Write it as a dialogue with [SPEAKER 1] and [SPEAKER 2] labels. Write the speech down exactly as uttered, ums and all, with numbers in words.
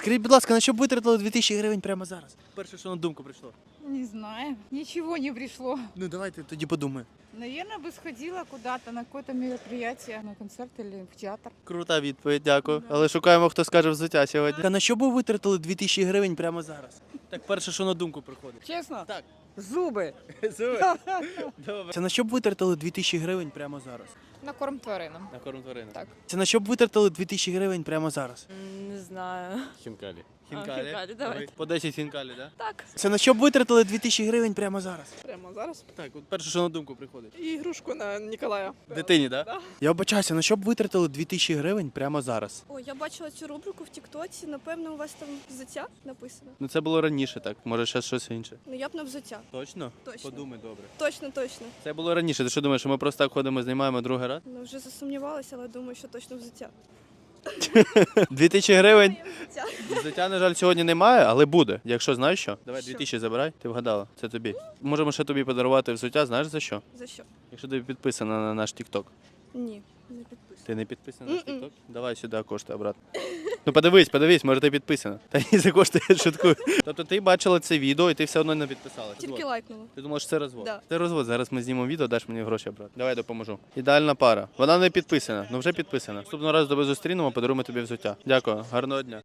[SPEAKER 1] Скажіть, будь ласка, на що б витратили дві тисячі гривень прямо зараз? Перше, що на думку прийшло.
[SPEAKER 2] Не знаю. Ничего не пришло.
[SPEAKER 1] Ну давайте тоді подумаємо.
[SPEAKER 2] Наверное, бы сходила куда-то на какое-то мероприятие, на концерт или в театр.
[SPEAKER 1] Крута відповідь, дякую. Але шукаємо, хто скаже взуття сьогодні. А на що б ви витратили дві тисячі гривень прямо зараз? Так перше, що на думку приходить.
[SPEAKER 2] Честно?
[SPEAKER 1] Так.
[SPEAKER 2] Зубы.
[SPEAKER 1] Добре. Це на що б витратили дві тисячі гривень прямо зараз?
[SPEAKER 3] На корм тваринам.
[SPEAKER 1] На корм тварини.
[SPEAKER 3] Так.
[SPEAKER 1] Це на що б витратили дві тисячі гривень прямо зараз?
[SPEAKER 3] Не знаю.
[SPEAKER 4] Хінкалі.
[SPEAKER 1] Хінкалі.
[SPEAKER 3] хінкалі, давайте.
[SPEAKER 1] По десять хінкалі, так?
[SPEAKER 3] Так.
[SPEAKER 1] Це на що б витратили дві тисячі гривень прямо зараз?
[SPEAKER 5] Прямо зараз.
[SPEAKER 1] Так, от перше, що на думку приходить.
[SPEAKER 5] І ігрушку на Ніколая.
[SPEAKER 1] Дитині, так?
[SPEAKER 5] Да.
[SPEAKER 1] Я вибачаюся, на що б витратили дві тисячі гривень прямо зараз?
[SPEAKER 6] О, я бачила цю рубрику в Тіктоці. Напевно, у вас там взуття написано.
[SPEAKER 1] Ну це було раніше так, може ще щось інше.
[SPEAKER 6] Ну я б на взуття.
[SPEAKER 1] Точно?
[SPEAKER 6] Точно.
[SPEAKER 1] Подумай добре.
[SPEAKER 6] Точно, точно.
[SPEAKER 1] Це було раніше. Ти що думаєш, що ми просто так ходимо, знімаємо другий раз?
[SPEAKER 6] Ну вже засумнівалася, але думаю, що точно взуття.
[SPEAKER 1] Дві тисячі гривень.
[SPEAKER 6] Моє взуття.
[SPEAKER 1] Взуття, на жаль, сьогодні немає, але буде. Якщо знаєш що, давай дві тисячі забирай, ти вгадала. Це тобі. Можемо ще тобі подарувати взуття, знаєш за що?
[SPEAKER 6] За що?
[SPEAKER 1] Якщо ти підписана на наш TikTok.
[SPEAKER 6] Ні, не підписую.
[SPEAKER 1] Ти не підписана на наш
[SPEAKER 6] Мгм.
[SPEAKER 1] TikTok? Давай сюди кошти обратно. Ну подивись, подивись, може ти підписана. Та ні, за кошти я шуткую. Тобто ти бачила це відео і ти все одно не підписалася.
[SPEAKER 6] Тільки лайкнула.
[SPEAKER 1] Ти думала, що це розвод?
[SPEAKER 6] Да.
[SPEAKER 1] Це розвод. Зараз ми знімемо відео, даш мені гроші брати. Давай допоможу. Ідеальна пара. Вона не підписана, ну вже підписана. Наступного разу тебе зустрінемо, подаруємо тобі взуття. Дякую, гарного дня.